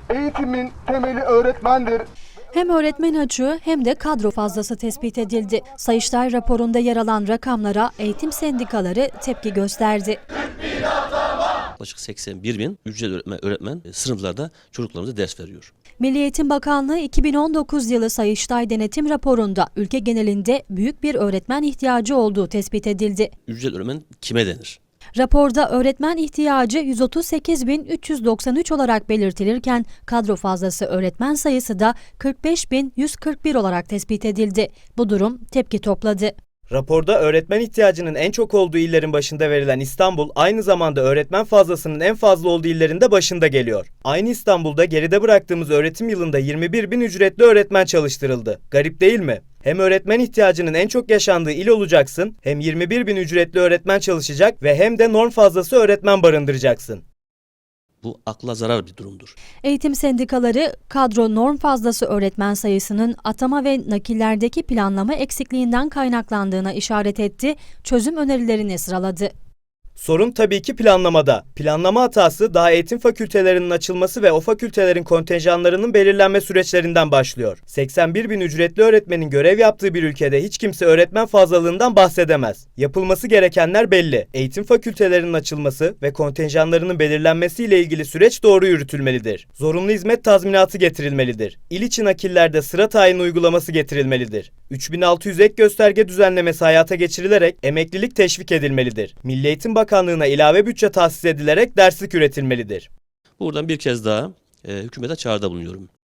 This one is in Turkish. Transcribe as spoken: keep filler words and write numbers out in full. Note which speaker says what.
Speaker 1: Eğitimin temeli öğretmendir.
Speaker 2: Hem öğretmen açığı hem de kadro fazlası tespit edildi. Sayıştay raporunda yer alan rakamlara eğitim sendikaları tepki gösterdi.
Speaker 3: Yaklaşık seksen bir bin ücretli öğretmen, öğretmen sınıflarda çocuklarımıza ders veriyor.
Speaker 2: Milli Eğitim Bakanlığı iki bin on dokuz yılı Sayıştay denetim raporunda ülke genelinde büyük bir öğretmen ihtiyacı olduğu tespit edildi.
Speaker 3: Ücretli öğretmen kime denir?
Speaker 2: Raporda öğretmen ihtiyacı yüz otuz sekiz bin üç yüz doksan üç olarak belirtilirken kadro fazlası öğretmen sayısı da kırk beş bin yüz kırk bir olarak tespit edildi. Bu durum tepki topladı.
Speaker 4: Raporda öğretmen ihtiyacının en çok olduğu illerin başında verilen İstanbul, aynı zamanda öğretmen fazlasının en fazla olduğu illerin de başında geliyor. Aynı İstanbul'da geride bıraktığımız öğretim yılında yirmi bir bin ücretli öğretmen çalıştırıldı. Garip değil mi? Hem öğretmen ihtiyacının en çok yaşandığı il olacaksın, hem yirmi bir bin ücretli öğretmen çalışacak ve hem de norm fazlası öğretmen barındıracaksın.
Speaker 3: Bu akla zarar bir durumdur.
Speaker 2: Eğitim sendikaları kadro norm fazlası öğretmen sayısının atama ve nakillerdeki planlama eksikliğinden kaynaklandığına işaret etti, çözüm önerilerini sıraladı.
Speaker 4: Sorun tabii ki planlamada. Planlama hatası daha eğitim fakültelerinin açılması ve o fakültelerin kontenjanlarının belirlenme süreçlerinden başlıyor. seksen bir bin ücretli öğretmenin görev yaptığı bir ülkede hiç kimse öğretmen fazlalığından bahsedemez. Yapılması gerekenler belli. Eğitim fakültelerinin açılması ve kontenjanlarının belirlenmesiyle ilgili süreç doğru yürütülmelidir. Zorunlu hizmet tazminatı getirilmelidir. İl içi nakillerde sıra tayin uygulaması getirilmelidir. üç bin altı yüz ek gösterge düzenlemesi hayata geçirilerek emeklilik teşvik edilmelidir. Milli Eğitim Bakanlığı'na ilave bütçe tahsis edilerek derslik üretilmelidir.
Speaker 3: Buradan bir kez daha e, hükümete çağrıda bulunuyorum.